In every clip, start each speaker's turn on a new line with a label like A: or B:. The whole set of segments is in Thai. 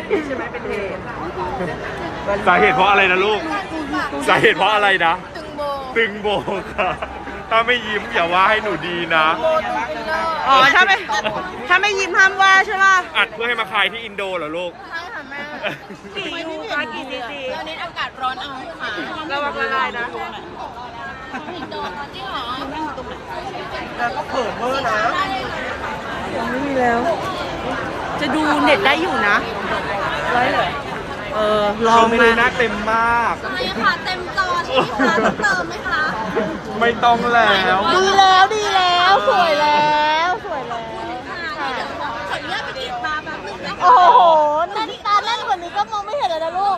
A: ใช่ไหมเป็นเหตุ
B: สาเหตุเพราะอะไรนะลูกสาเหตุเพราะอะไรนะตึงโบค่ะถ้าไม่ยิ้มอย่าว่าให้หนูดีนะ
C: อ๋อถ้าไม่ยิ้มห้ามว่าใช่ป่ะ
B: อัดเพื่อให้มาคายที่อินโดเหรอลูก
C: ใช่ค่ะแม่กี่ยูคะกี่ซีซี
D: ตอนนี้อากาศร้อนเอาค่ะ
C: ระวังละลายนะ
D: อินโดจริงเหรอ
A: แล้วก็เผิ่มเวอร์นะ
C: ไม่มีแล้ว จะดูเน็ตได้อยู่นะร้อยเลยลอง
B: ไม่
C: มา
B: ได้หน้าเต็มมาก
D: ไม่ค่ะเต็มจอใช่ไหมคะต้องเติมไหมคะ
B: ไม่ต้องแล้ว
C: ดีแล้วสวยแล้วสวยแล้ว
D: ค่ะเดี๋ยวขออนุญาตไปกรีดตาแป๊บนึงนะคะ
C: โอ้โหแน่นตาแน่นกว่านี้ก็มองไม่เห็นเลยนะลูก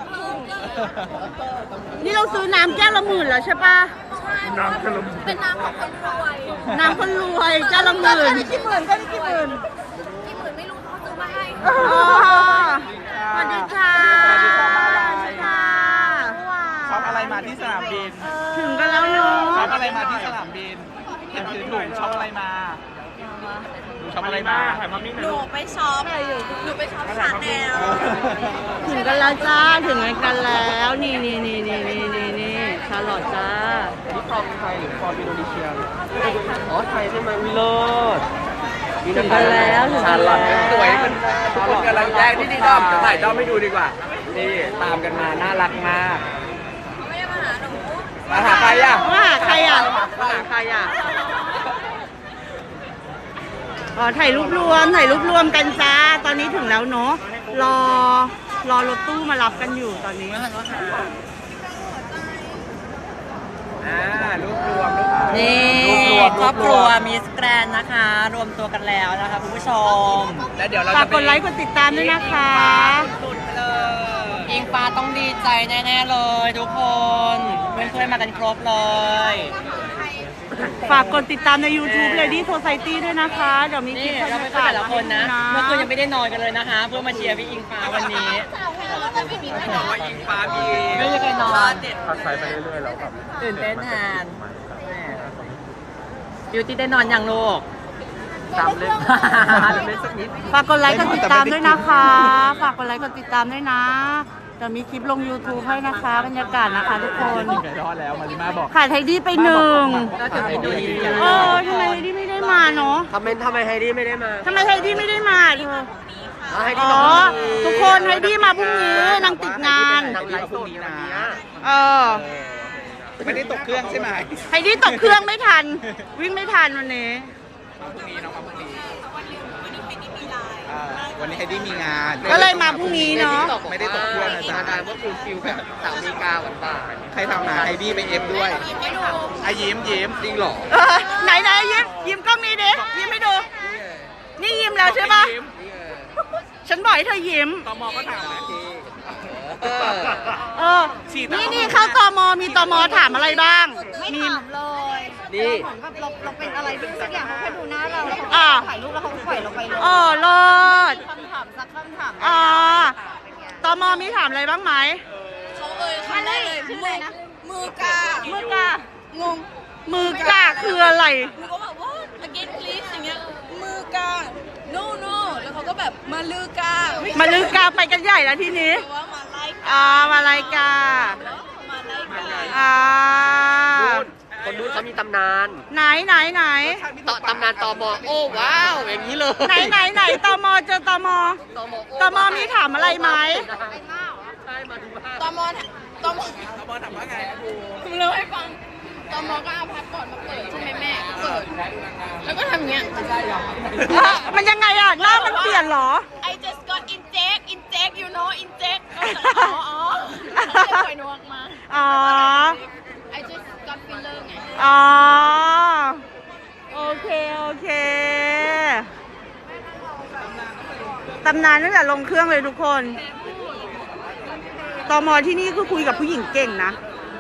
C: นี่เราซื้อน้ำแก้วละ10,000แล้วใช่ปะ
B: น้ำขนม
D: เป็นน้ำของคนรวย
C: น้ำคนรวยแก้วละ10,000ก็ได้กี่หมื่น
D: กี่หมื่นไม่รู้เขาซื้อมาให้
C: สวัสดีค่ะ
A: สวัสดีค่ะ
C: ค่ะ
A: ช็อปอะไรมาที่สนามบิน
C: ถึงกันแล้วเนาะ
A: ช็อปอะไรมาที่สนามบินเห็นถือถุงช็อปอะไรมาช็อปอะไรมา
B: ถ่ายมามิ้งห
D: ห
B: น่อย
D: นู
B: ลูก
D: ไปช็อปหนูไปช็อปชาแนล
C: ถึงกันแล้วจ้าถึงกันแล้วนี่ชาลอตจ้า
A: นี่ฟอร์มไทยหรือฟอร์มอินโดนีเซียอ๋อไทยใช่ไหมวิโรจน์
C: ถึงกันแล้วถึง
A: ชา
C: กัน
A: ลอต
C: แล้ว
A: สวยเป็นคนกำลังแรกที่ด้อมจะถ่ายด้อมให้ดูดีกว่า นี่ตามกันมาน่ารักมาก
D: ไม่ได้มาหาหนู
A: มาหาใครอ่ะ
C: ว่าหาใครอ่ะอ๋อถ่ายรูปรวมกันจ้าตอนนี้ถึงแล้วเนาะรอรถตู้มารับกันอยู่ตอนนี้
A: รูปรวม
E: นี่
A: รูปรวม
E: ครอบครัวมิสแกรนนะคะ รวมตัวกันแล้วนะคะคุณผู้ชม
A: แล้วเดี๋ยวเรา
C: ฝาก
A: จะ
C: กดไลค์กดติดตามด้วยนะคะ
A: สุดเลย
E: อิงฟ้าต้องดีใจแน่ๆเลยทุกคนเพื่อนๆมากันครบเลย
C: ฝากกดติดตามใน YouTube Lady Society ด้วยนะคะ เดี๋ยวมีคลิ
E: นี่
C: ป
E: เราไปแต่ละคนนะ เมื่อคืนยังไม่ได้นอนกันเลยนะคะ เพื่อมาเชียร์พี่อิงฟ้าวันนี้
A: บอกว่าอิงฟ้ามี
E: ไม่มีใครนอน
B: พักใช้ไปเรื่อยๆแล้วครับ
E: ตื่นเต้นแทนบิวตี้ได้นอนยังลูก
A: ตามเล่นเล่นสักนิด
C: ฝากกดไลค์กดติดตามด้วยนะคะ ฝากกดไลค์กดติดตามด้วยนะเดี๋ยวมีคลิปลง YouTube ให้นะคะบรรยากาศนะคะทุกคน
A: ไก่ทอดแล้วมาริมาบอก
C: ขาดไทดี้ไปหนึ่ง
E: ก็ถึงอินโดนีเซีย
C: ทำไมไทดี้ไม่ได้มาเนาะ
A: ทำไมไฮดี้ไม่ได้มา
C: ทำไมไทดี้ไม่ได้มาเธอ
A: ไฮดี้
C: อ๋อ
A: มาพรุ่งนี้
C: ทุกคนไทดี้มาพรุ่งนี้นางติดงาน
A: นางไลฟ์พรุ่งนี้นะ
C: เออ
A: ไม่ได้ตกเครื่องใช่ไหม
C: ไทดี้ตกเครื่องไม่ทัน วิ่งไม่ทันวันนี้
A: พรุ่งนี้น้องมาพรุ่งนี้วันนี้ไฮดี้มีงาน
C: ก็เลยมาพรุ่งนี้เนาะ
A: ไม่ได้ตกเครื่องนะจ๊ะว่าคือฟิลแบบสาวมีกาหวานใครทำหาไฮดี้ไปเอฟด้วยไอยิ้มจริงหรอ
C: ไหนยิ้มกล้องนี้ดิยิ้มให้ดู นี่ยิ้มแล้วใช่ปะฉันบอกให้เธอยิ้ม
A: ตมก็ถามนะที
C: นี่เข้าตมมีตมถามอะไรบ้างมี
A: นี่
D: เราเป็นอะไรที่สักอย่างเขาแค่ดูหน้าเราแล้ว
C: อ่า
D: เขาถ่ายรูปแล้วเขาปล่อยเราไปเลย
C: เลิศ
D: คำถามสักคำถาม
C: ตมมีถามอะไรบ้างไหม
D: เขาคำแรกเลยชื่ออะไรนะมือกา
C: มือกาง
D: ง
C: มือกาคืออะไร
D: หนูก็แบบว่า again please อย่างเงี้ยมือกา no no แล้วเขาก็แบบมาลือกา
C: มาลือกาไปกันใหญ่แล้วทีนี้
D: แปลว่ามาไล่กา
C: มาลายกา
D: มาไล่กา
A: คนนู้นเขามีตำนาน
C: ไหน
A: ตำนานตมโอ้ว้าวอย่างนี้เลย
C: ไหนตมเจอตมตมมีถามอะไรไหม
A: ใช่มาดูภาพ
D: ตมตม
A: ตมถามว่าไงครู
D: ผมเล่าให้ฟังตมก็เอาพาสปอร์ตมาเปิดใช่ไหมแม่เปิด แล้วก็ทำอย่างเงี้ย
C: มันยังไงอ่ะหน้ามันเปลี่ยนเหรอ
D: I just got inject you know inject อ๋อเขาเลยปล่อยหนูออกมา
C: อ๋อ
D: I just got filler ไง
C: อ๋อ โอเค ตำนานตั้งแต่ลงเครื่องเลยทุกคนตมที่นี่คือคุยกับผู้หญิงเก่งนะ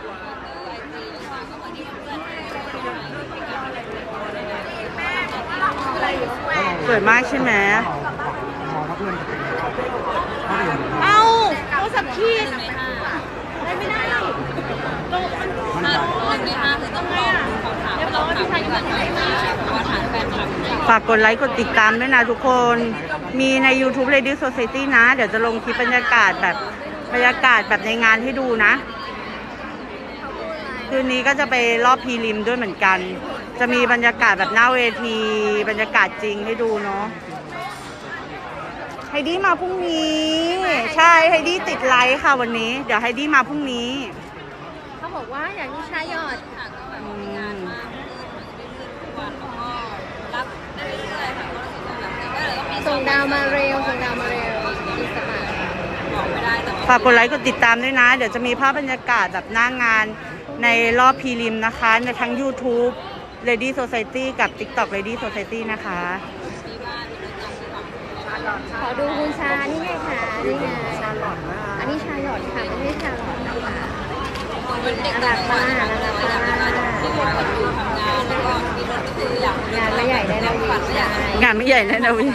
C: สวยมากใช่ไหมเอ้าโทรศัพท์คีดไม่ได้ ฝากกดไลค์กดติดตามด้วยนะทุกคนมีใน YouTube Lady Society นะ เดี๋ยวจะลงคลิปบรรยากาศแบบในงานให้ดูนะ คืนนี้ก็จะไปรอบพรีลิมด้วยเหมือนกัน จะมีบรรยากาศแบบหน้าเวทีบรรยากาศจริงให้ดูเนาะไฮดี้มาพรุ่งนี้ ใช่ไฮดี้ติดไลฟ์ค่ะวันนี้ เดี๋ยวไฮดี้มาพรุ่งนี้
D: เขาบอกว่าอยากมีชายหยอดค่ะก็แบบมีงานมากวันแล้วก็รับได้เรื่อยๆค่ะก็รู้สึกแบบก็เลยต้องมีส่งดาวมาเร็วส่งดาวมาเร็วอินสตาบอกไม่ได้แต่
C: ฝากกดไลค์กดติดตามด้วยนะ เดี๋ยวจะมีภาพบรรยากาศแบบหน้างานในรอบพรีลิมนะคะในทั้ง YouTube Lady Society กับ TikTok Lady Society นะคะ
D: ขอดูคุณชานี่ไงค่ะนี่ไงอันนี้ชาหยอดค่ะไม่ใช่ชาหลอดนะคะน่ารักมากน่ารักมากงานไม่ใหญ่ได้นะวิใช่
C: งานไม่ใหญ่แน่นะวิ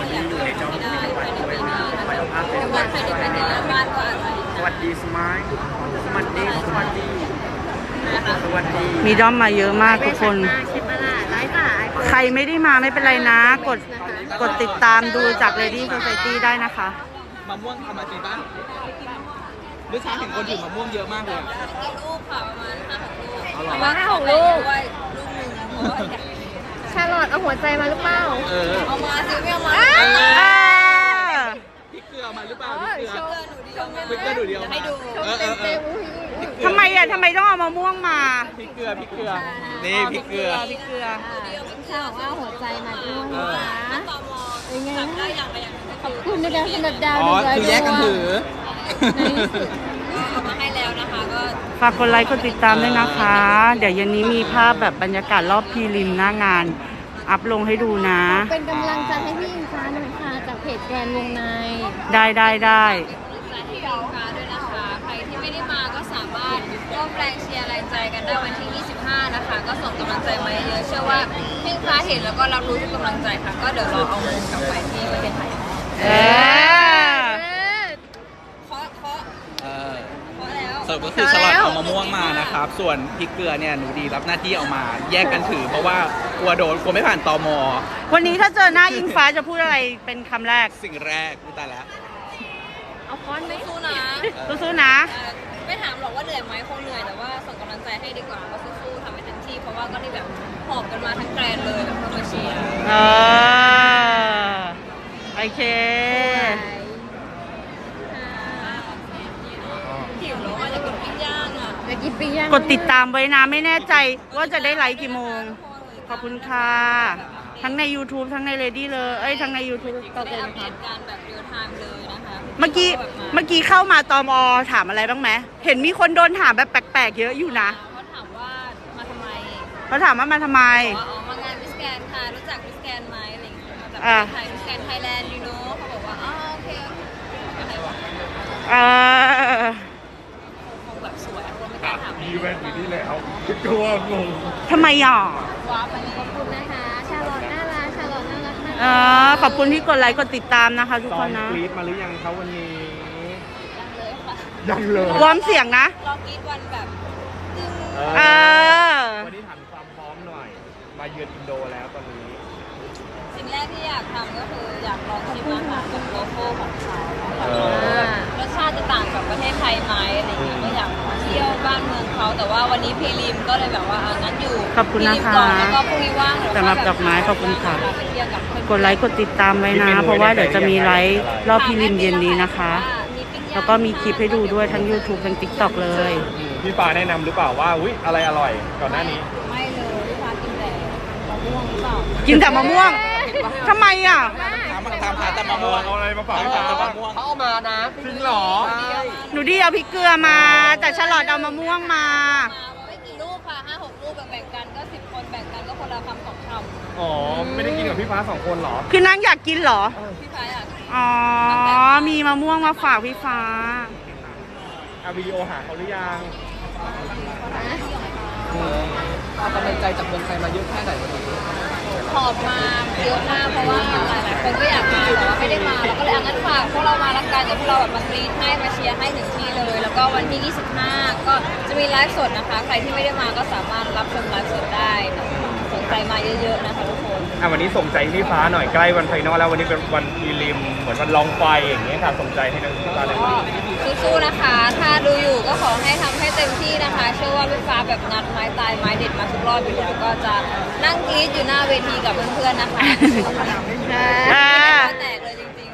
A: สวัสดีสมัยสวัสดีสวัสดีสวัสดี
C: มีด้อมมาเยอะมากทุกคน
D: ใช่ปะล่ะไลฟ์ป่ะ
C: ใครไม่ได้มาไม่เป็นไรนะ กดติดตามดูจาก Lady Society ได้นะคะ
A: มะม่วงทำมาจริงป่ะเมื่อเช้าเห็นคนถือมะม่วงเยอะมากเลย
D: ลูกค่ะประมาณ5-6
A: เอาหรอ
D: ประมาณ5-6 ลูกชาลอตเอาหัวใจมาหรือเปล่า เอามาสิไม่เอามา
A: พริกเกลือมาหรือเปล่า
D: โชว์หนูเดียว
A: พริกเกลือหนูเดียวมา
D: โชว์เต็ม
C: ทำไมต้องเอามะม่วงมา
A: พริกเกลือนี่พริกเกลือ
C: พริกเกลือ
D: ชาบอกว่าหัวใจมาด้วยนะเป็นไงขอบคุณนะคะสำหรับดาว
A: อ๋อคือแยกกันถือ
D: เอามาให้แล้วนะคะก็
C: ฝากกดไลค์กดติดตามด้วยนะคะ เดี๋ยวเย็นนี้มีภาพแบบบรรยากาศรอบพรีลิมหน้างาน อัพลงให้ดูนะ
D: เป็นกำลังใจให้พี่อิงฟ้าหน่อยค่ะจากเพจแกรนวงใน
C: ได้
D: กำลังใจให้พี่อิงฟ้าด้วยนะคะ ใครที่ไม่ได้มาก็สามารถร่วมแรงเชียร์แรงใจกันได้วันที่ 25 นะคะ ก็ส่งกำลังใจมาเยอะๆเชื่อว่าพี่อิงฟ้าเห็นแล้วก็รับรู้ทุกกำลังใจค่ะ ก็เดี๋ยวเราเอาเงินกลับไปที่ประเทศไทย
C: เออ
D: เคาะแล้ว
A: สรุปก็คือสลัดเอามะม่วงมานะครับ ส่วนพริกเกลือเนี่ยหนูดีรับหน้าที่เอามาแยกกันถือ เพราะว่ากลัวไม่ผ่านตม.
C: วันนี้ถ้าเจอหน้าอิงฟ้าจะพูดอะไรเป็นคำแรก
A: สิ่งแรกกูตายแล้ว
D: เอาค้อนไหมสู้นะ
C: สู้ๆนะ
D: ไม่ถามหรอกว่าเหนื่อยไหมคงเหนื่อยแต่ว่าส่งกำลังใจให้ดีกว่าก็สู้ๆทำให้เต็มที่เพราะว่าก็นี่แบบหอบกันมาทั้งแกรนเลยแบบเพื่อมาเชียร์
C: โอเค
D: หิวแล้วว่าจะกินปิ้งย่างอ่ะจะกินปิ้งย่าง
C: กดติดตามไว้นะ ไม่แน่ใจว่าจะได้ไลค์กี่โมง ขอบคุณค่ะ ทั้งใน YouTube ทั้งใน Lady เลยทั้งใน YouTube ก็
D: ได้
C: เป็น
D: อัปเด
C: ค่ะ
D: ตการแบบเรียลไทม์เลยนะคะ
C: เมื่อกี้เข้ามาตม.ถามอะไรบ้างไหมเห็นมีคนโดนถามแบบแปลกๆเยอะอยู่นะ
D: เขาถามว่ามาทำไม
C: เขาถามว่ามาทำไม
D: บอกว่าอ๋อมางานมิสแกนค่ะรู้จักมิสแกนไหมอะไรอย่างเงี้ยมาจากประเทศไทยมิสแกนไทยแลนด์ยูโน่เขาบอกว่าอ๋อโอเคอะไรวะ คงแบบสวยคงไม่กล้าถาม
B: อีเวนต์อยู่ที่แล้วกลัวงง
C: ทำไมอ่ะ
D: ว้าไปขอบคุณนะคะ ชาลอตน่ารักชาลอตน่ารักมาก
C: ขอบคุณที่กดไลค์กดติดตามนะคะทุก
B: ซ
C: ค
B: อง
C: นนะ
B: กรี๊ดมาหรือยังครับวันนี้
D: เลยค่ะ
B: ยังเลยว
C: อร์มเสียงนะ
D: รอบกรีดวันแบบตึง
C: เออ
B: วันนี้ถามความพร้อมหน่อย มาเยือนอินโดแล้วตอนนี้
D: สิ่งแรกที่อยากทำก็คืออยากลองชิมอาหารแบบโลโก้ของเขา
B: เออ
D: รสชาติจะต่างกับประเทศไทยไหมอะไรเงี้ยก็อยากเที่ยวบ้านเมืองเขาแต่ว่าวันนี้พรีลิมก็เลยแบบว่างั้นอยู่
C: ขอบคุณนะคะ
D: พรีลิมก่อนแล้วก็พรุ่งนี้ว่างเดี๋ยว
C: สำหรับดอกไม้ขอบคุณค่ะ
D: ไปเที่ยวกับเพื่อน
C: กดไลค์กดติดตามไว้นะ เพราะว่าเดี๋ยวจะมีไลฟ์รอบพิลิมเย็นนี้นะคะ แล้วก็มีคลิปให้ดูด้วยทั้ง YouTube ทั้ง TikTok เลย
B: พี่ฟ้าแนะนำหรือเปล่าว่าอุ๊ยอะไรอร่อยก่อนหน้านี้
D: ไม่เลยลูกค้ากินแต่มะม่วงหรือเปล่า
C: กินแต่มะม่วงทำไมอ่ะ
A: ถามหาแต่มะม่วง
B: เอาอะไรมาฝากให้
A: ถาม
B: ฟ้า
A: แต่
B: บ้าง
A: มะม่วงเขาเอามานะ
B: จริงเหรอ
C: หนูดีเอาพริกเกลือมา แต่ฉลอดเอามะม่วงมา
D: ไม่กี่ลูกค่ะ5-6 ลูกแบ่งๆกันก็10 คนแบ่งกันก็คนละคำ2 คำ
B: อ๋อ ไม่ได้กินกับพี่ฟ้าสองคนเหรอ
C: คือนางอยากกินเหรอ
D: พี่ฟ้าอยาก
C: อ๋อ มีมะม่วงมาฝากพี่ฟ้า
B: เอาวิดีโอหาเขาหรือยัง
A: เอากำลังใจจากเมืองไทยมาเยอะแค่ไหนวันนี้
D: หอบมาเยอะมากเพราะว่าหลายๆคนก็อยากมาแต่ว่าไม่ได้มาแล้วก็เลยงั้นฝากพวกเรามาละกันเดี๋ยวพวกเราแบบมากรีดให้มาเชียร์ให้ถึงที่เลย แล้วก็วันที่25ก็จะมีไลฟ์สดนะคะ ใครที่ไม่ได้มาก็สามารถรับชมไลฟ์สดได้ส่วนงใจมาเยอะๆนะคะทุกคน
B: วันนี้ส่งใจให้พี่ฟ้าหน่อยใกล้วันไฟนอลแล้ววันนี้เป็นวันพรีลิมเหมือนวันลองไฟอย่างเงี้ยค่ะส่งใจให้น้องพี่ฟ้าเลย
D: สู้ๆนะคะ ถ้าดูอยู่ก็ขอให้ทำให้เต็มที่นะคะ เชื่อว่าพี่ฟ้าแบบงัดไม้ตายไม้เด็ดมาทุกรอบอยู่แล้วก็จะนั่งกรี๊ดอยู่หน้าเวทีกับเพื่อนๆนะคะ แตกเลยจริง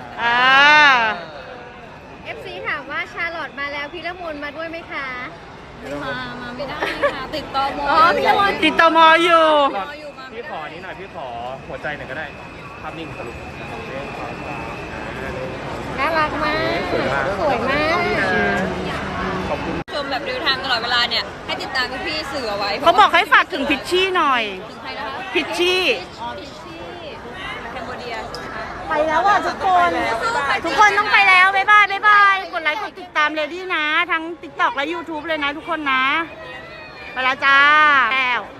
D: ๆ
F: FC ถามว่าชาลอตมาแล้วพี่ละมุนมาด้วยไหมคะ
D: มาไม่ได้ค่ะ ติดต่อม
F: พี่ละมุน
C: ติดต่อมออยู่
D: อยู่มา
B: พี่ขอนี้หน่อยพี่ขอหัวใจหน่อยก็ได้ภาพนิ่งสรุป
F: น่ารักมาก สวยมาก
B: ขอบคุณ
D: ชมแบบเดินทางตลอดเวลาเนี่ย ให้ติดตามพี่ๆสื่อเอาไว้
C: เขาบอกให้ฝากถึงพิชชี่หน่อย
D: ถึงใครนะคะ
C: พิชชี่
D: อ๋อพิชชี่แคมโบเดียใช่ไหมคะ
C: ไปแล้วอ่ะทุกคน ทุกคนต้องไปแล้ว บ๊ายบาย บ๊ายบาย กดไลค์ กดติดตามเลดี้นะ ทั้ง TikTok และ YouTube เลยนะทุกคนนะ ไปแล้วจ้าแล้ว